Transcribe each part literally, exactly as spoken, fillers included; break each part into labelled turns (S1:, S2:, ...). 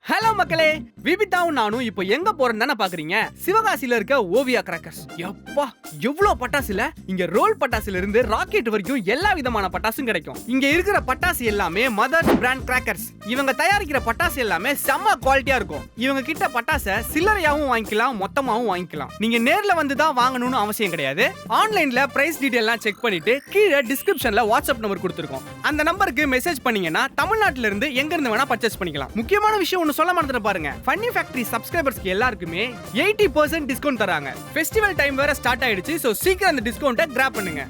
S1: Hello மக்களே, விபிதாவும் நானும் இப்போ எங்க போறோம்னு தானே பாக்குறீங்க. சிவகாசியில இருக்க ஓவியா கிராக்கர்ஸ். எப்பா எவ்வளவு பட்டாசுல, இங்க ரோல் பட்டாசுல இருந்து ராக்கெட் வரைக்கும் எல்லா விதமான பட்டாசும் கிடைக்கும். இங்க இருக்கிற பட்டாசு எல்லாமே மதர்ஸ் பிராண்ட் கிராக்கர்ஸ். இவங்க தயாரிக்கிற பட்டாசு எல்லாமே செம்ம குவாலிட்டியா இருக்கும். இவங்க கிட்ட பட்டாசை சில்லறையாவும் வாங்கிக்கலாம், மொத்தமாவும் வாங்கிக்கலாம். நீங்க நேர்ல வந்து தான் வாங்கணும்னு அவசியம் கிடையாது. ஆன்லைன்ல பிரைஸ் டீடைல்லாம் செக் பண்ணிட்டு கீழே டிஸ்கிரிப்ஷன்ல வாட்ஸ்அப் நம்பர் கொடுத்துருக்கோம். அந்த நம்பருக்கு மெசேஜ் பண்ணீங்கன்னா தமிழ்நாட்டுல இருந்து எங்க இருந்து வேணா பர்ச்சேஸ் பண்ணிக்கலாம். முக்கியமான விஷயம் ஒன்னு சொல்ல மறந்துட்டு பாருங்க, ஃபன்னி ஃபேக்டரி சப்ஸ்கிரைபர்ஸ்க்கு எல்லாருக்குமே எயிட்டி பர்சன்ட் டிஸ்கவுண்ட் தராங்க. ஃபெஸ்டிவல் டைம் வேற ஸ்டார்ட் ஆயிடுச்சு. சோ சீக்கிரம் அந்த டிஸ்கவுண்ட்டை கிராப் பண்ணுங்க.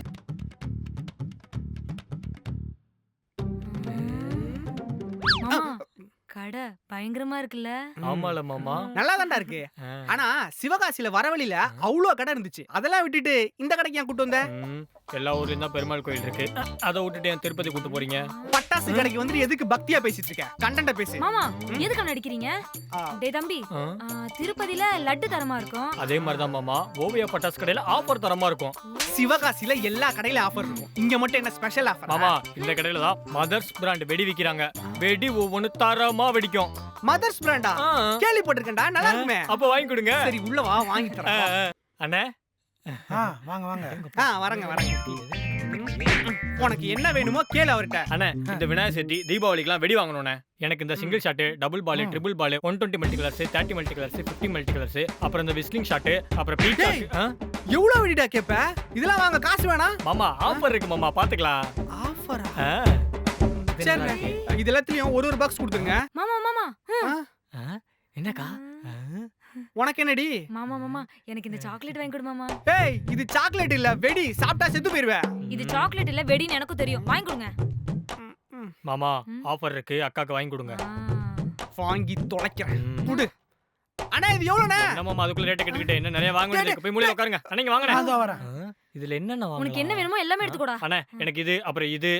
S2: கடை பயங்கரமா இருக்குல்ல?
S3: ஆமால மாமா,
S1: நல்லா தான்டா இருக்கு. ஆனா சிவகாசியில வரவழியில அவ்வளோ கடை இருந்துச்சு. அதெல்லாம் விட்டுட்டு இந்த கடைக்கு ஏன் கூட்டு வந்த?
S3: எல்லா ஊர்லயும் தான் பெருமாள் கோயில் இருக்கு, அதை விட்டுட்டு ஏன் திருப்பதி கூட்டு போறீங்க?
S1: பட்டாசு கடைக்கு வந்து எதுக்கு பக்தியா பேசிட்டு இருக்க? கண்டென்ட் பேசு.
S2: மாமா எதுக்கு நடிக்கிறீங்க? டேய் தம்பி, திருப்பதில லட்டு தரமா இருக்கும்.
S3: அதே மாதிரி தான் மாமா, ஓவியா பட்டாசு கடையில ஆஃபர் தரமா இருக்கும்.
S1: சிவகாசியில எல்லா கடையில ஆஃபர் இருக்கும். இங்க மட்டும் என்ன ஸ்பெஷல் ஆஃபர்?
S3: மாமா, இந்த கடையில தான் மதர்ஸ் பிராண்ட் வெடி விக்கிறாங்க. வெடி ஒவ்வொன்னு தரமா வெடிக்கும்.
S1: மதர்ஸ் பிராண்டா? கேள்விப்பட்டிருக்கேன்டா, நல்லா இருக்குமே.
S3: அப்ப வாங்கி கொடுங்க.
S1: சரி உள்ள வா, வாங்கி தரேன்.
S3: அண்ணே
S4: வாங்க வாங்க.
S1: ஆ வரங்க வரங்க. உனக்கு என்ன வேணுமோ கேளு அவர்ட்ட.
S3: அண்ணே, இந்த விநாயகர் சதுர்த்தி தீபாவளிக்குலாம் வெடி வாங்கணும்ண்ணே. எனக்கு இந்த single shot, double ball, triple ball, one twenty multi colours, thirty multi colours, fifty multi colours, அப்புறம் இந்த விஸ்லிங் ஷாட், அப்புறம் பீகாக்.
S1: எவ்வளவு வெடிடா கேப்ப? இதெல்லாம் வாங்க காசு வேணா?
S3: மாமா ஆஃபர் இருக்கு மாமா, பாத்துக்கலாம்.
S1: ஆஃபரா? சரி, இது எல்லாத்துலயும் ஒரு ஒரு பாக்ஸ் கொடுத்துருங்க.
S2: மாமா மாமா
S3: என்னக்கா
S1: உனக்கு என்னடி?
S2: மாமா மாமா எனக்கு இந்த சாக்லேட் வாங்கி கொடு மாமா.
S1: ஏய், இது சாக்லேட் இல்ல, வெடி. சாப்பிட்டா செத்து போயிருவே.
S2: இது சாக்லேட் இல்ல, வெடின்னு எனக்கும் தெரியும். வாங்கி கொடுங்க
S3: மாமா. ஆஃபர் இருக்கு, அக்காக்கு வாங்கி கொடுங்க.
S1: வாங்கி தொலைக்கிறேன். குடு. அண்ணா இது எவ்வளவுண்ணே?
S3: என்ன மாமா அதுக்குள்ள ரேட் கேட்டுக்கிட்டே என்ன நிறைய வாங்க வேண்டியது? போய் மூலையில உட்காருங்க. அண்ணா வாங்கண்ணே.
S4: அதோ வரேன்.
S3: இதுல என்னன்னா வாங்க?
S2: உனக்கு என்ன வேணுமோ எல்லாமே எடுத்துக்கோடா.
S3: அண்ணா எனக்கு இது, அப்புறம் இது.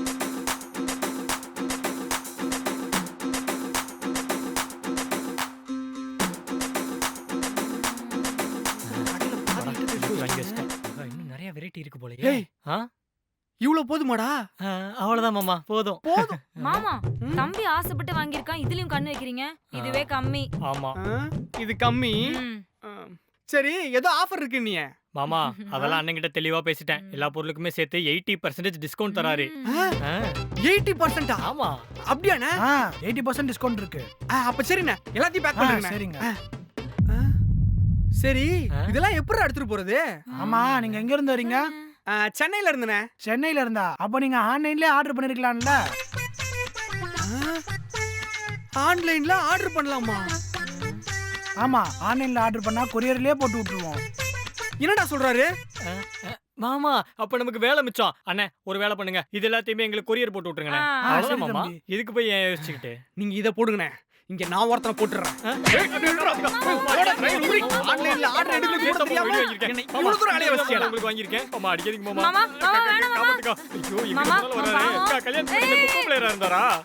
S3: இன்னும் நிறைய வெரைட்டி இருக்கு போல.
S1: ஏய், இவ்வளவு போதுமாடா?
S3: அவ்வளவுதான் மாமா, போதும்
S1: போதும்.
S2: மாமா தம்பி ஆசைப்பட்டு வாங்கியிருக்கான், இதுலயும் கண்ணு வைக்கிறீங்க. இதுவே கம்மி.
S3: ஆமா,
S1: இது கம்மி. சரி, ஏதோ ஆஃபர் இருக்கு நீ.
S3: மாமா அதெல்லாம் அண்ணன்கிட்ட தெளிவா பேசிட்டேன். எல்லா பொருளுக்குமே சேர்த்து எயிட்டி பர்சன்டேஜ் டிஸ்கவுண்ட் தராரு.
S1: எயிட்டி பர்சன்டா?
S3: ஆமா.
S1: அப்படியாண்ணே?
S4: எயிட்டி பர்சன்ட் டிஸ்கவுண்ட் இருக்கு.
S1: அப்ப சரிண்ணே, எல்லாத்தையும் பேக் பண்ணுங்க.
S4: சரிங்க.
S1: சரி, இதெல்லாம் எப்படி எடுத்துட்டு போறது?
S4: ஆமா, நீங்க எங்க இருந்து வரீங்க?
S1: சென்னையில இருந்துனே.
S4: சென்னையில இருந்தா அப்ப நீங்க ஆன்லைன்லயே ஆர்டர் பண்ணிருக்கலாம்ல.
S1: ஆன்லைன்ல ஆர்டர் பண்ணலாமா?
S4: ஆமா, ஆன்லைன்ல ஆர்டர் பண்ணா கொரியர்லயே போட்டு விட்டுருவோம்.
S1: என்னடா சொல்றாரு
S3: மாமா? அப்ப நமக்கு வேலை மிச்சம். அண்ணே ஒரு வேலை பண்ணுங்க, இது எல்லாத்தையுமே எங்களுக்கு கொரியர் போட்டு விட்டுருங்க. அவ்வளவுதான் மாமா, இதுக்கு போய் ஏன் யோசிச்சுக்கிட்டு?
S1: நீங்க இத போடுங்கண்ணே, இங்க நான் ஒருத்தனை போட்டுறேன். ஆன்லைன்ல ஆர்டர் எடுக்க தெரியாம என்னை இவ்வளவு தூரம் அலைய வச்சியா?
S3: உங்களுக்கு வாங்கியிருக்கேன். மாமா அடிக்காதீங்க மாமா.
S2: மாமா மாமா வேணாம் மாமா.
S3: ஐயோ, இங்க வராரு. கல்யாணம் பண்ணி கூப்பிளேரா இருந்தாரா?